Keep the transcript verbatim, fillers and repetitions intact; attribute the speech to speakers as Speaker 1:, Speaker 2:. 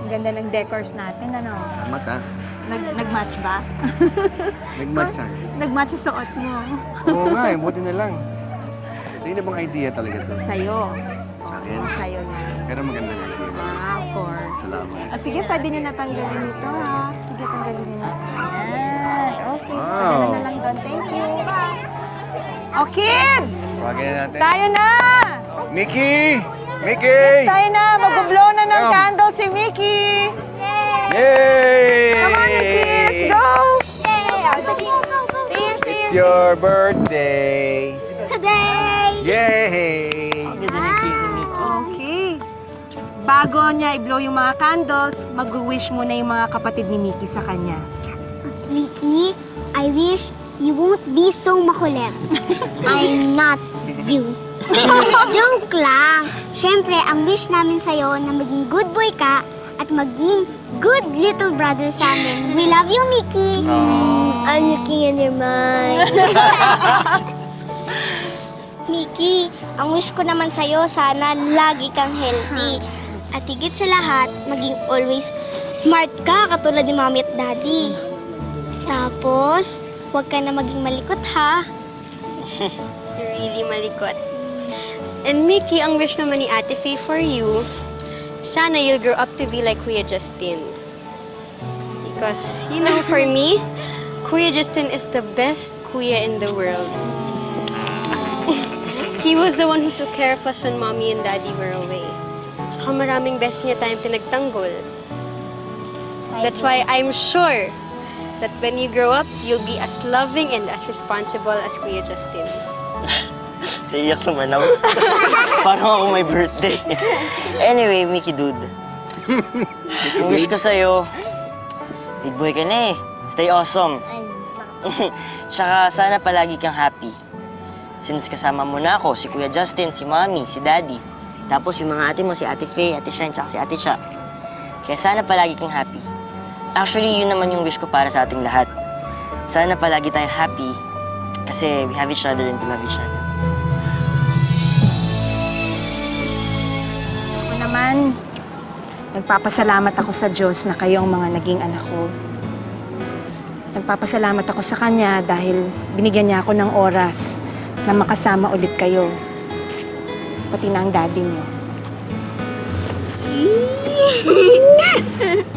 Speaker 1: Ang ganda ng decors natin, ano?
Speaker 2: Tama ta.
Speaker 1: Nag Nag-match ba?
Speaker 2: Nag-match na.
Speaker 1: Nag-match yung suot mo.
Speaker 2: Oo nga eh, buti na lang. Hindi na bang idea talaga to?
Speaker 1: Sa'yo.
Speaker 2: Sa
Speaker 1: Oo,
Speaker 2: akin?
Speaker 1: sa'yo na.
Speaker 2: Pero magandang idea.
Speaker 1: Ah, of course.
Speaker 2: Salamat.
Speaker 1: Ah, sige, pwede nyo natanggalin ito, ha? Sige, tanggalin nyo na. Ayan. Okay.
Speaker 2: Wow.
Speaker 1: Padala na lang doon. Thank you. Oh, kids!
Speaker 2: Tawagin na natin.
Speaker 1: Tayo na!
Speaker 2: Mickey! Mickey!
Speaker 1: Tayo na! Mag-blow na ng
Speaker 2: Come.
Speaker 1: candle si Mickey!
Speaker 2: Yay!
Speaker 1: Come on, Mickey! Let's go! See you, see
Speaker 2: It's
Speaker 1: you.
Speaker 2: your birthday!
Speaker 3: Today!
Speaker 2: Yay!
Speaker 1: Okay. Bago niya i-blow yung mga candles, mag-wish muna yung mga kapatid ni Mickey sa kanya.
Speaker 3: Mickey, I wish you won't be so makulit. I'm not you. Joke lang. Siyempre, ang wish namin sa'yo na maging good boy ka at maging good little brother sa amin. We love you, Mickey. I'm looking in your mind. Mickey, ang wish ko naman sa'yo, sana lagi kang healthy. At higit sa lahat, maging always smart ka katulad ni Mommy at Daddy. Tapos, huwag ka na maging malikot, ha?
Speaker 4: You're really malikot. And Mickey, ang wish naman ni Ate Faye for you, sana you'll grow up to be like Kuya Justin. Because, you know, for me, Kuya Justin is the best kuya in the world. He was the one who took care of us when Mommy and Daddy were away. Tsaka maraming best niya tayong pinagtanggol. That's why I'm sure that when you grow up, you'll be as loving and as responsible as Kuya Justin.
Speaker 5: Iyak naman ako. Parang ako may birthday. Anyway, Mickey dude. Ang wish ko sa'yo, big boy ka na eh. Stay awesome. Tsaka sana palagi kang happy. Since kasama mo na ako, si Kuya Justin, si Mommy, si Daddy. Tapos yung mga ate mo, si Ate Faye, Ate Shine, tsaka si Ate Cha. Kaya sana palagi kang happy. Actually, yun naman yung wish ko para sa ating lahat. Sana palagi tayong happy kasi we have each other and we love each other.
Speaker 1: Ako naman, nagpapasalamat ako sa Diyos na kayong mga naging anak ko. Nagpapasalamat ako sa Kanya dahil binigyan niya ako ng oras na makasama ulit kayo. Pati na ang daddy niyo.